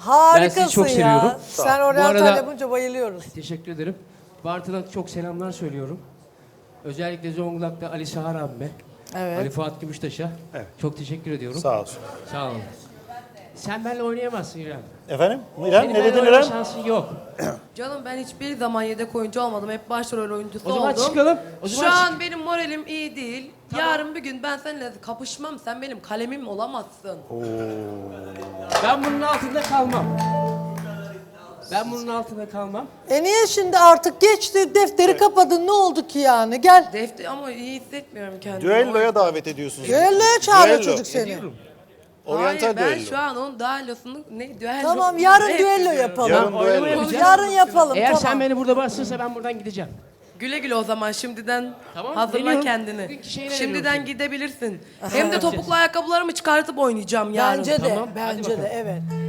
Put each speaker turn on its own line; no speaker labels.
Harikasın
Ben sizi çok
ya.
seviyorum.
Sen
Bu
oryantal
arada-
yapınca bayılıyoruz.
Teşekkür ederim. Bartın'a çok selamlar söylüyorum. Özellikle Zonguldak'ta Ali Sahar abime,
Evet.
Ali Fuat Gümüştaş'a
Evet.
çok teşekkür ediyorum.
Sağ olsun.
Sağ olun. Sen benimle oynayamazsın İrem.
Efendim? İrem
Senin
ne
benimle
dedin
oynama
İrem?
şansın yok.
Canım ben hiçbir zaman yedek oyuncu olmadım. Hep başrol oyuncusu
O zaman
oldum.
çıkalım. O
Şu
zaman
an benim moralim iyi değil. Yarın bir gün ben seninle kapışmam. Sen benim kalemim olamazsın.
Ben bunun altında kalmam. Ben bunun altında kalmam.
Niye şimdi artık geçti defteri kapadın ne oldu ki yani gel.
Defter ama iyi hissetmiyorum kendimi.
Düelloya davet ediyorsunuz.
Düelloya çağırıyor
Düello.
çocuk seni.
Ediyorum.
Oryantal
Hayır ben
düello.
şu an onun düellosunu ne düello?
Tamam yarın
ne
düello
yapıyorum?
yapalım.
Yarın
Oynama
düello.
yapacağız.
Yarın yapalım
Eğer
tamam.
sen beni burada bastırırsa ben buradan gideceğim.
Güle güle o zaman şimdiden
Tamam,
hazırla
geliyorum.
kendini.
Bugünkü şeyine
Şimdiden
geliyorum.
gidebilirsin. Hem de topuklu ayakkabılarımı çıkartıp oynayacağım yarın.
Bence de
Tamam, hadi
bence de
bakalım.
evet.